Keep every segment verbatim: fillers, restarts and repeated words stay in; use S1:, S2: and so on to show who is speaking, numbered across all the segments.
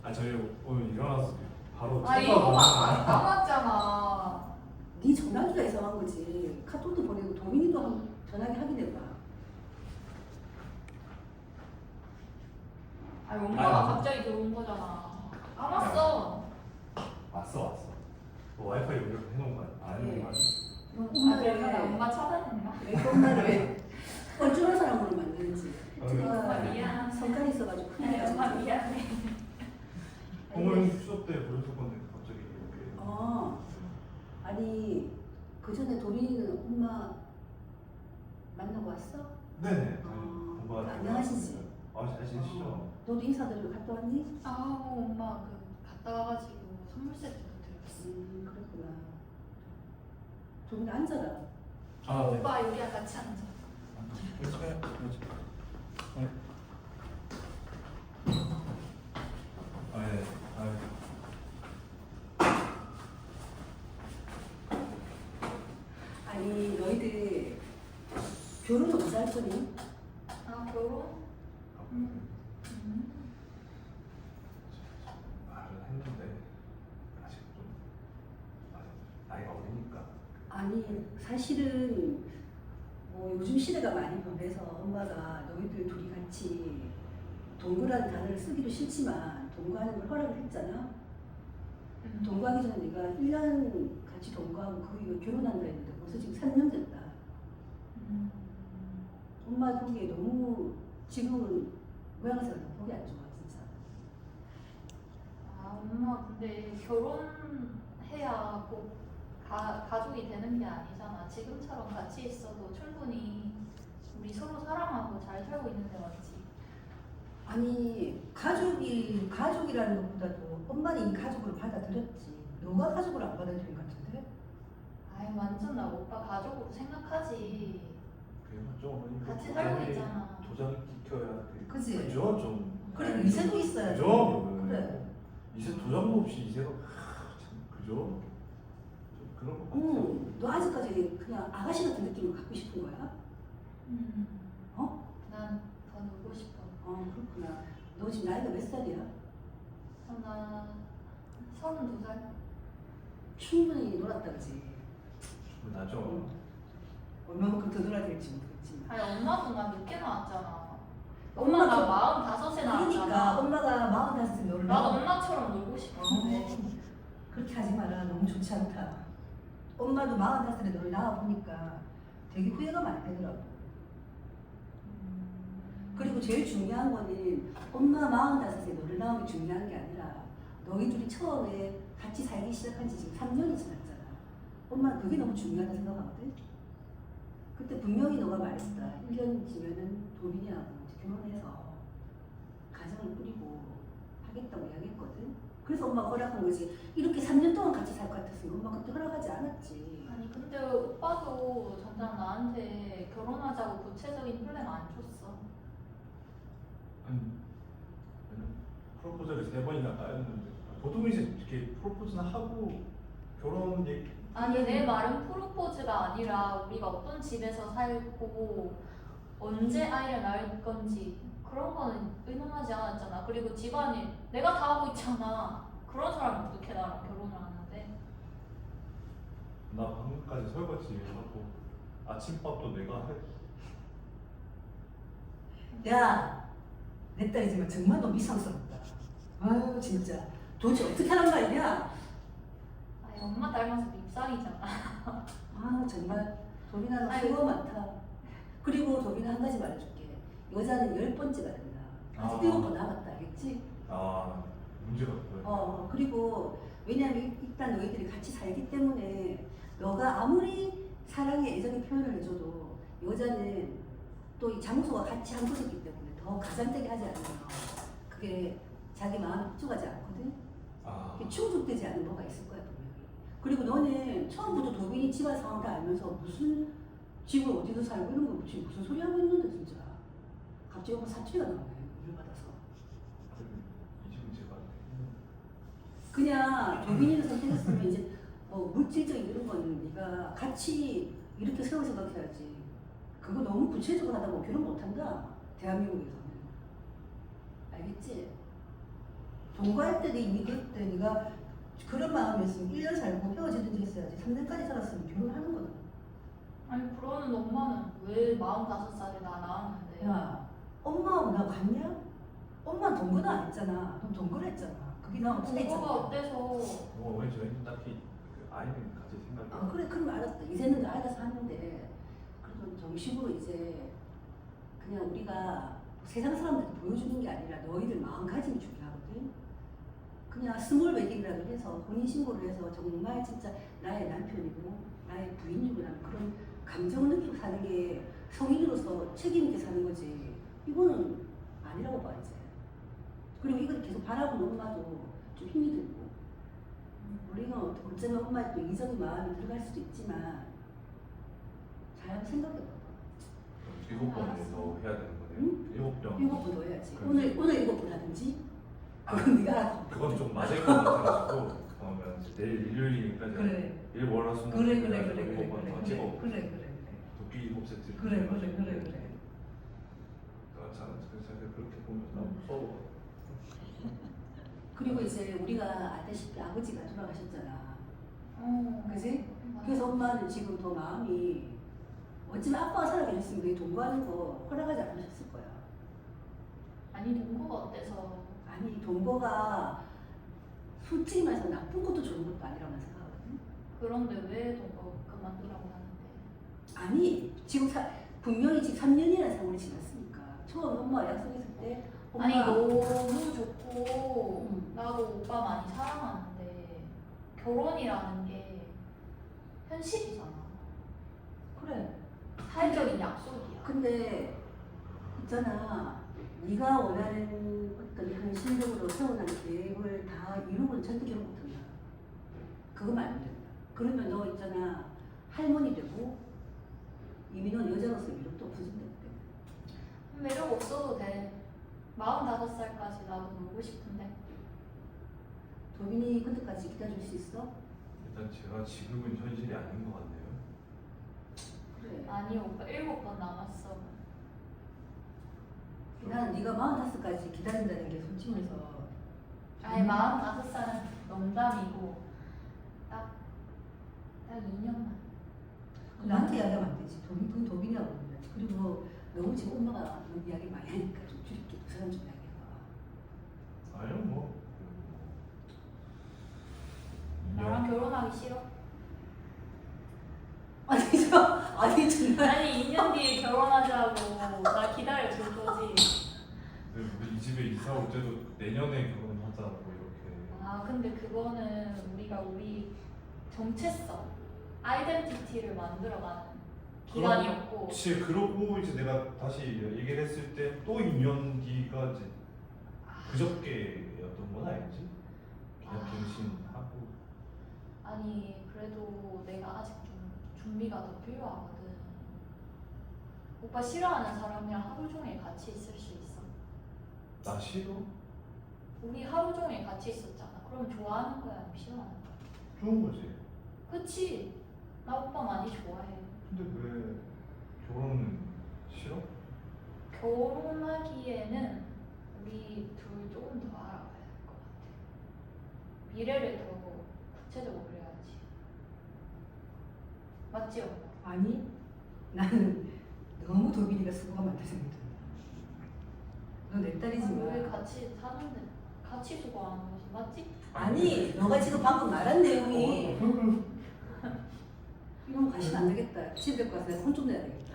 S1: 아 저희 오늘 일어나서 바로
S2: 아 이거 안 남았잖아.
S3: 네 전화기가 이상한 거지. 카톡도 보내고 도민이도 한 전화기 확인해봐.
S2: 아니 엄마가
S1: 아니,
S2: 갑자기 들어온 거잖아. 안 왔어.
S1: 왔어 왔어. 너 와이파이 연결 해놓은 거 아니야? 안 해놓은 거 아니야?
S3: 너
S2: 아
S3: 엄마를
S2: 그러면
S3: 왜,
S2: 엄마 차단했나?
S3: 왜 엄마를 왜 뻘쭘한 사람으로 만드는지.
S1: 아,
S2: 엄마 미안.
S3: 성깔이 있어가지고 큰일
S2: 아니
S3: 나지.
S2: 엄마 미안해.
S1: 공무원 수업 때 보여줄 건데 갑자기 이렇게.
S3: 어. 아니 그 전에 도민이는 엄마 만나고 왔어?
S1: 네네.
S3: 어,
S1: 공부하다.
S3: 안녕하시지?
S1: 아 잘 지내시죠?
S3: 너도 인사드리러 갔다 왔니?
S2: 아 엄마 그 갔다 와가지고 선물 세트도 드렸어.
S3: 음 그렇구나. 도민이 앉아라.
S1: 아 네.
S2: 오빠 여기랑 같이 앉아.
S1: 그렇지. 그렇지. 네. 아 네. 아.
S3: 아니 너희들 결혼은 언제 할 거니?
S2: 아 결혼? 음. 음.
S1: 말을 했는데 아직 좀 아직 나이가 어리니까.
S3: 아니 사실은 뭐 요즘 시대가 많이 변해서 엄마가 너희들 둘이 같이 동거라는 단어를 쓰기도 싫지만 동거하는 걸 허락을 했잖아.
S2: 음.
S3: 동거하기 전에 내가 일 년 같이 동거하고 그 이후에 결혼한다 했는데 벌써 지금 삼 년 됐다.
S2: 음.
S3: 엄마 보기에 너무 지금은 모양새가 보기 안 좋아 진짜.
S2: 아 엄마 근데 결혼해야 꼭 가, 가족이 되는 게 아니잖아. 지금처럼 같이 있어도 충분히 우리 서로 사랑하고 잘 살고 있는데 맞지?
S3: 아니 가족이 가족이라는 것보다도 엄마는 이미 가족으로 받아들였지. 너가 가족으로 안 받아들인 것 같은데?
S2: 아이 완전 나 오빠 가족으로 생각하지.
S1: 그게 맞죠 어머니.
S2: 같이 살고 있잖아.
S1: 도장이 찍혀야 돼.
S3: 그치?
S1: 그죠 좀.
S3: 그래 이세도 있어야지.
S1: 그죠?
S3: 그래.
S1: 이세 도장도 없이 이세가 하, 참 그죠? 좀 그런 것 같아요.
S3: 응. 너 아직까지 그냥 아가씨 같은 느낌을 갖고 싶은 거야?
S2: 음.
S3: 어?
S2: 난 더 놀고 싶어.
S3: 어 그렇구나. 너 지금 나이가 몇 살이야?
S2: 어, 나 서른두 살?
S3: 충분히 놀았다 그지?
S1: 나죠.
S3: 얼마만큼 더 놀아야 될지 모르겠지만.
S2: 아니 엄마도 나 늦게 나왔잖아.
S3: 엄마
S2: 엄마 나
S3: 그-
S2: 마흔다섯에
S3: 그러니까
S2: 나왔잖아.
S3: 엄마가 마흔다섯에 너를
S2: 나도
S3: 낳아.
S2: 엄마처럼 놀고 싶었는데.
S3: 그렇게 하지 마라. 너무 좋지 않다. 엄마도 마흔다섯에 너를 낳아보니까 되게 후회가 많이 되더라고. 그리고 제일 중요한 거는 엄마 마흔다섯에 너를 낳은 게 중요한 게 아니라 너희 둘이 처음에 같이 살기 시작한 지 지금 삼 년이 지났잖아. 엄마는 그게 너무 중요하다 생각하거든. 그때 분명히 너가 말했다. 일 년 지면은 도민이하고 이제 결혼해서 가정을 꾸리고 하겠다고 이야기했거든. 그래서 엄마가 허락한 거지. 이렇게 삼 년 동안 같이 살 것 같았으면 엄마 그때 허락하지 않았지.
S2: 아니 근데 오빠도 전장 나한테 결혼하자고 구체적인 플랜 안 줬어.
S1: 아니 프로포즈를 세 번이나 따였는데 보통 이제 이렇게 프로포즈나 하고 결혼 얘기.
S2: 아니 내 말은 프로포즈가 아니라 우리가 어떤 집에서 살고 언제 아이를 낳을 건지 그런 거는 의논하지 않았잖아. 그리고 집안일 내가 다 하고 있잖아. 그런 사람이 어떻게 나랑 결혼을 하는데?
S1: 나 방금까지 설거지 하고 아침밥도 내가 해.
S3: 야, 내 딸이지만 정말 너무 이상스럽다. 아유 진짜 도대체 어떻게 하란 말이냐?
S2: 아니 엄마 닮아서 밉상이잖아.
S3: 아 정말 도빈아 너
S2: 아이고.
S3: 수고 많다. 그리고 도빈아 한 가지 말해줄게. 여자는 열 번째가 된다. 아직
S1: 아.
S3: 일곱 번 남았다, 알겠지?
S1: 아 문제가 없고요.
S3: 어 그리고 왜냐면 일단 너희들이 같이 살기 때문에 너가 아무리 사랑의 애정의 표현을 해줘도 여자는 또 이 장소가 같이 한 곳이기 때문에 더 가장되게 하지 않으면 그게 자기 마음에 흡족하지 않거든.
S1: 아
S3: 이게 충족되지 않는 뭐가 있을 거야 분명히. 그리고 너는 처음부터 도빈이 집안 상황 다 알면서 무슨 집을 어디서 살고 이런 거 지금 무슨 소리 하고 있는데 진짜. 갑자기 엄마 사투리가 나오네 물 받아서.
S1: 이 집은 제가
S3: 그냥 도빈이를 선택했으면 이제 뭐 물질적인 이런 거는 네가 같이 이렇게 세워 생각해야지. 그거 너무 구체적으로 하다 보면 결혼 못한다 대한민국에서는. 알겠지? 동거할 때 이미 그때 네가 그런 마음이었으면 일 년 살고 헤어지든지 했어야지. 삼 년까지 살았으면 결혼하는 거다.
S2: 아니 그러는 엄마는 왜 마흔다섯 살에 나 낳았는데?
S3: 야, 엄마하고 나 같냐? 엄마는 동거는 안 했잖아. 넌 동거를 했잖아. 그게 나하고 차이
S2: 동거가
S3: 있잖아.
S2: 어때서?
S1: 뭐 왜 저희는 딱히 그 아이는 가질 생각이
S3: 아 그래 그럼 알았다. 이제는 아이가 사는데 그래도 정식으로 이제 그냥 우리가 세상 사람들한테 보여주는 게 아니라 너희들 마음가짐이 중요하거든. 그냥 스몰 웨딩이라도 해서 혼인 신고를 해서 정말 진짜 나의 남편이고 나의 부인이고라는 그런 감정을 느끼고 사는 게 성인으로서 책임 있게 사는 거지. 이거는 아니라고 봐 이제. 그리고 이걸 계속 바라보는 엄마도 좀 힘이 들고 우리가 어쩌면 엄마의 또 이성의 마음이 들어갈 수도 있지만 잘 한번 생각해봐.
S1: 일곱 번을 더 해야 되는 거네요.
S3: 응?
S1: 일곱 번.
S3: 일곱 번 더 해야지.
S1: 그럼.
S3: 오늘 오늘 일곱 번 하든지. 그건 네가 알아서.
S1: 그건 좀 맞을 것 같아가지고 그러면 이제 내일 일요일이니까 이제
S3: 그래.
S1: 일 월화수목
S3: 그래 그래 그래 그래
S1: 일곱 번
S3: 그래
S1: 더
S3: 그래
S1: 찍어
S3: 그래 그래 그래
S1: 도끼 일곱 세트
S3: 그래 그래 그래 그래.
S1: 아, 자, 그래서 그렇게 보면
S3: 음.
S1: 너무 무서워.
S3: 그리고 이제 우리가 알다시피 아버지가 돌아가셨잖아.
S2: 어.
S3: 그지?
S2: 맞아.
S3: 그래서 엄마는 지금 더 마음이 어쩌면 아빠가 살아계셨으면 너희 동거하는 거 허락하지 않으셨을 거야.
S2: 아니 동거가 어때서?
S3: 아니 동거가 솔직히 말해서 나쁜 것도 좋은 것도 아니라고 난 생각하거든.
S2: 그런데 왜 동거 그만두라고 하는데?
S3: 아니 지금 사, 분명히 지금 삼 년이라는 세월이 지났으니까 처음 엄마가 약속했을 때 엄마
S2: 아니 너무 좋고
S3: 음.
S2: 나도 오빠 많이 사랑하는데 결혼이라는 게 현실이잖아.
S3: 그래.
S2: 사회적인 약속이야.
S3: 근데 있잖아 네가 원하는 어떤 현실적으로 세워난 계획을 다 이루고는 절대 결혼 못한다. 그거만 안 된다. 그러면 너 있잖아 할머니 되고 이미 넌 여자로서 매력도 없어진다.
S2: 매력 없어도 돼. 마흔다섯 살까지 나도 놀고 싶은데.
S3: 도빈이 그때까지 기다릴 수 있어?
S1: 일단 제가 지금은 현실이 아닌 것 같네요.
S3: 그래.
S2: 아니 오빠 일곱 번 남았어.
S3: 나는 네가 마흔다섯까지 기다린다는 게 솔직히 말해서
S2: 아니 마흔다섯 살은 농담이고 딱 딱 이 년만.
S3: 나한테 이야기하면 안 되지. 도빈, 그건 도빈이라고 그러면 그리고 너무 지금 엄마가 너무 이야기 많이 하니까 좀 줄일게. 그 사람 좀 이야기해봐.
S1: 아니요 뭐.
S2: 나랑 결혼하기 싫어?
S3: 아니 저 아니 정말
S2: 아니 이 년 뒤에 결혼하자고 나 기다려 줄 거지.
S1: 근데 우리 이 집에 이사 올 때도 내년에 결혼하자고 이렇게.
S2: 아 근데 그거는 우리가 우리 정체성, 아이덴티티를 만들어가는 기간이었고.
S1: 그렇지. 그러고 이제 내가 다시 얘기를 했을 때 또 이 년 뒤가 이제 그저께였던 건 아니지? 그냥
S2: 아.
S1: 갱신하고.
S2: 아니 그래도 내가 아직 좀 준비가 더 필요하거든. 오빠 싫어하는 사람이랑 하루 종일 같이 있을 수 있어?
S1: 나 싫어?
S2: 우리 하루 종일 같이 있었잖아. 그럼 좋아하는 거야, 아니면 싫어하는 거야?
S1: 좋은 거지.
S2: 그치? 나 오빠 많이 좋아해.
S1: 근데 왜 결혼은 싫어?
S2: 결혼하기에는 우리 둘 조금 더 알아봐야 될 것 같아. 미래를 더 구체적으로 그려야지. 맞지, 오빠?
S3: 아니 나는 너무 도빈이가 수고가 많다 생각해. 너내
S2: 아니,
S3: 딸이지만
S2: 왜 같이 사는데 같이 수고하는 거지, 맞지?
S3: 아니 너가 지금 방금 말한 내용이
S1: 어,
S3: 이건 가시면 안 되겠다. 집에 가서 내가 혼 좀 내야 되겠다.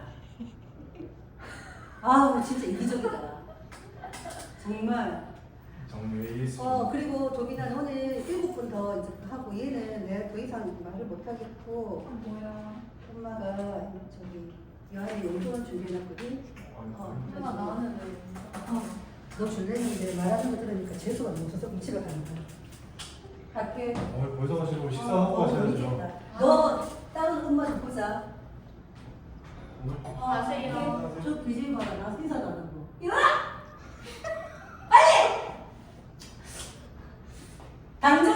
S3: 아우 진짜 이기적이다. 정말.
S1: 정리했어.
S3: 어 그리고 도빈아 너는 일곱 번 더 이제 하고 얘는 내가 더 이상 말을 못 하겠고
S2: 아, 뭐야?
S3: 엄마가 저기 여아의 용돈을 준비해놨거든. 어,
S2: 엄마 나는 왜?
S3: 어, 너 줄래는데 말하는 거 들으니까 재수가 너무 없어서 그럼 집에 가는 거야. 갈게.
S1: 어, 벌써 가시고
S3: 어,
S1: 식사하고
S3: 어,
S1: 가셔야죠.
S3: 재밌겠다. 너 다른 엄마 좀 보자. 어,
S2: 가세요.
S3: 저 비질 봐라. 나 인사도 안 하고. 일어나! 빨리! 당장